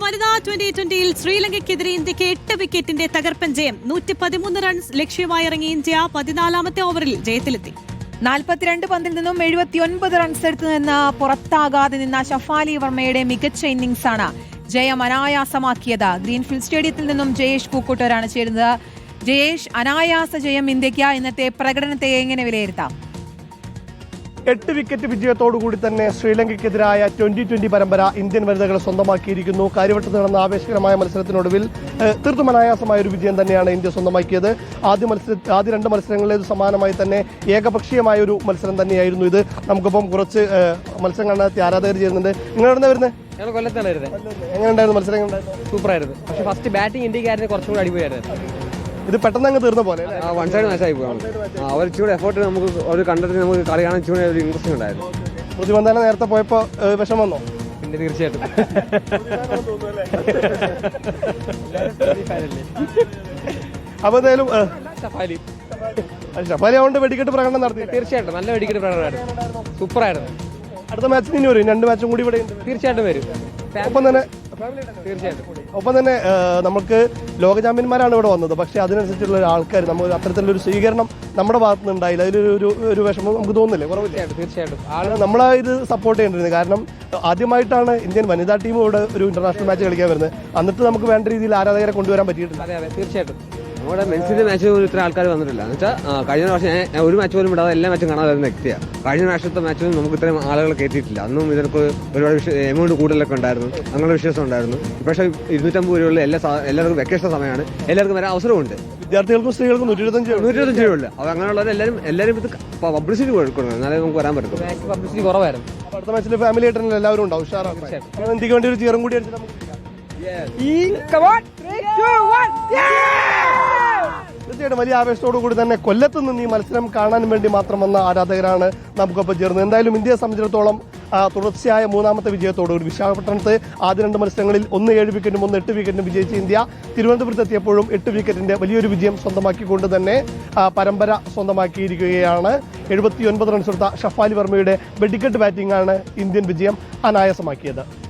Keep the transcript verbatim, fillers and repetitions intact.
വനിതാ ട്വന്റി ട്വന്റിയിൽ ശ്രീലങ്കയ്ക്കെതിരെ ഇന്ത്യക്ക് എട്ട് വിക്കറ്റിന്റെ തകർപ്പൻ ജയം. നൂറ്റി പതിമൂന്ന് റൺസ് ലക്ഷ്യമായി ഇറങ്ങിയ ഇന്ത്യ പതിനാലാമത്തെ ഓവറിൽ ജയത്തിലെത്തി. നാൽപ്പത്തിരണ്ട് പന്തിൽ നിന്നും എഴുപത്തിയൊൻപത് റൺസ് എടുത്തു നിന്ന് പുറത്താകാതെ നിന്ന ഷഫാലി വർമ്മയുടെ മികച്ച ഇന്നിംഗ്സാണ് ജയം അനായാസമാക്കിയത്. ഗ്രീൻഫീൽഡ് സ്റ്റേഡിയത്തിൽ നിന്നും ജയേഷ് പൂക്കോട്ടൂരാണ് ചേരുന്നത്. ജയേഷ്, അനായാസ ജയം ഇന്ത്യക്ക്. ഇന്നത്തെ പ്രകടനത്തെ എങ്ങനെ വിലയിരുത്താം? എട്ട് വിക്കറ്റ് വിജയത്തോടുകൂടി തന്നെ ശ്രീലങ്കയ്ക്കെതിരായ ട്വന്റി ട്വന്റി പരമ്പര ഇന്ത്യൻ വനിതകൾ സ്വന്തമാക്കിയിരിക്കുന്നു. കാര്യവട്ടത്ത് നടന്ന ആവേശകരമായ മത്സരത്തിനൊടുവിൽ തീർത്തും അനായാസമായ ഒരു വിജയം തന്നെയാണ് ഇന്ത്യ സ്വന്തമാക്കിയത്. ആദ്യ മത്സര ആദ്യ രണ്ട് മത്സരങ്ങളിലേത് സമാനമായി തന്നെ ഏകപക്ഷീയമായ ഒരു മത്സരം തന്നെയായിരുന്നു ഇത്. നമുക്കിപ്പം കുറച്ച് മത്സരം കാണാൻ ആരാധകർ ചെയ്യുന്നുണ്ട്. നിങ്ങൾ എവിടെ വരുന്നത്? ഞങ്ങൾ കൊല്ലത്താണ് വരുന്നത്. എങ്ങനെ ഉണ്ടായിരുന്നു മത്സരം? സൂപ്പറായിരുന്നു. പക്ഷേ ഫസ്റ്റ് ബാറ്റിംഗ് ഇന്ത്യക്കാരന് കുറച്ചും കൂടി അടിപൊളിയായിരുന്നു. ഇത് പെട്ടെന്ന് അങ്ങ് തീർന്ന പോലെ വൺ സൈഡ് മാച്ച് ആയി പോകാം. അവർ ഇച്ചിരി എഫോർട്ട് നമുക്ക് ഒരു കണ്ടതിന് നമുക്ക് കളി കാണാൻ ഇച്ചിരി ഒരു ഇൻട്രസ്റ്റ് ഉണ്ടായിരുന്നു. പ്രതിബന്ധന നേരത്തെ പോയപ്പോൾ വിഷം വന്നോ? പിന്നെ തീർച്ചയായിട്ടും അപ്പോൾ എന്തായാലും ഷഫാലി ഷഫാലി അതുകൊണ്ട് വെടിക്കെട്ട് പ്രകടനം നടത്തി. തീർച്ചയായിട്ടും നല്ല വെടിക്കെട്ട് പ്രകടനമായിരുന്നു. സൂപ്പറായിരുന്നു. അടുത്ത മാച്ചിന് ഇനി വരും, രണ്ട് മാച്ചും കൂടി ഇവിടെ തീർച്ചയായിട്ടും വരും. ഒപ്പം തന്നെ തീർച്ചയായിട്ടും ഒപ്പം തന്നെ നമുക്ക് ലോക ചാമ്പ്യന്മാരാണ് ഇവിടെ വന്നത്. പക്ഷേ അതിനനുസരിച്ചുള്ള ആൾക്കാർ നമുക്ക് അത്തരത്തിലൊരു സ്വീകരണം നമ്മുടെ ഭാഗത്ത് നിന്ന് ഉണ്ടായില്ല. അതിലൊരു ഒരു വിഷമം നമുക്ക് തോന്നുന്നില്ലേ? കുറവില്ല. തീർച്ചയായിട്ടും ആൾ നമ്മളെ ഇത് സപ്പോർട്ട് ചെയ്യേണ്ടിരുന്നത്. കാരണം ആദ്യമായിട്ടാണ് ഇന്ത്യൻ വനിതാ ടീം ഇവിടെ ഒരു ഇന്റർനാഷണൽ മാച്ച് കളിക്കാൻ വരുന്നത്. എന്നിട്ട് നമുക്ക് വേണ്ട രീതിയിൽ ആരാധകരെ കൊണ്ടുവരാൻ പറ്റിയിട്ടില്ല. അതെ അതെ തീർച്ചയായിട്ടും. നമ്മുടെ മെൻസിന്റെ മാച്ച് പോലും ഇത്ര ആൾക്കാർ വന്നിട്ടില്ല. എന്ന് വെച്ചാൽ കഴിഞ്ഞ പ്രാവശ്യം ഞാൻ ഒരു മാച്ച് പോലും ഇടാതെ എല്ലാ മാച്ചും കാണാൻ വരുന്ന വ്യക്തിയാണ്. കഴിഞ്ഞ പ്രാവശ്യത്തെ മാച്ചിൽ നമുക്ക് ഇത്രയും ആളുകൾ കയറ്റിയിട്ടില്ല. അന്നും ഇതിനൊക്കെ ഒരുപാട് എമൗണ്ട് കൂടുതലൊക്കെ ഉണ്ടായിരുന്നു, അങ്ങനെ വിശ്വാസം ഉണ്ടായിരുന്നു. പക്ഷേ ഇരുന്നൂറ്റമ്പത് രൂപയുള്ള എല്ലാ എല്ലാവർക്കും വെക്കേഷൻ സമയമാണ്, എല്ലാവർക്കും വരാൻ അവസരമുണ്ട്. വിദ്യാർത്ഥികൾക്കും സ്ത്രീകൾക്കും നൂറ്റി ഇരുപത്തഞ്ച് നൂറ്റി ഇരുപത്തഞ്ച് രൂപയുള്ളൂ. അപ്പോൾ അങ്ങനെയുള്ളവർ എല്ലാവരും എല്ലാവരും ഇത് പബ്ലിസിറ്റി കൊടുക്കണം, എന്നാലേ നമുക്ക് വരാൻ പറ്റും. പബ്ലിസിറ്റി കുറവായിരുന്നു. അടുത്ത മാച്ചിൽ ഫാമിലി ആയിട്ട് എല്ലാവരും ഉണ്ടാവും. ഉഷാറാണ്. ഇന്ത്യക്ക് വേണ്ടി ഒരു ചീറും കൂടി അടിച്ചിട്ട് നമുക്ക് തീർച്ചയായിട്ടും വലിയ ആവേശത്തോടു കൂടി തന്നെ കൊല്ലത്ത് നിന്ന് ഈ മത്സരം കാണാൻ വേണ്ടി മാത്രം വന്ന ആരാധകരാണ് നമുക്കൊപ്പം ചേർന്നത്. എന്തായാലും ഇന്ത്യയെ സംബന്ധിച്ചിടത്തോളം തുടർച്ചയായ മൂന്നാമത്തെ വിജയത്തോടുകൂടി വിശാഖപട്ടണത്ത് ആദ്യ രണ്ട് മത്സരങ്ങളിൽ ഒന്ന് ഏഴ് വിക്കറ്റും ഒന്ന് എട്ട് വിക്കറ്റും വിജയിച്ച ഇന്ത്യ തിരുവനന്തപുരത്ത് എത്തിയപ്പോഴും എട്ട് വിക്കറ്റിന്റെ വലിയൊരു വിജയം സ്വന്തമാക്കിക്കൊണ്ട് തന്നെ പരമ്പര സ്വന്തമാക്കിയിരിക്കുകയാണ്. എഴുപത്തി ഒൻപത് റൺസ് എടുത്ത ഷഫാലി വർമ്മയുടെ വെടിക്കെട്ട് ബാറ്റിംഗാണ് ഇന്ത്യൻ വിജയം അനായാസമാക്കിയത്.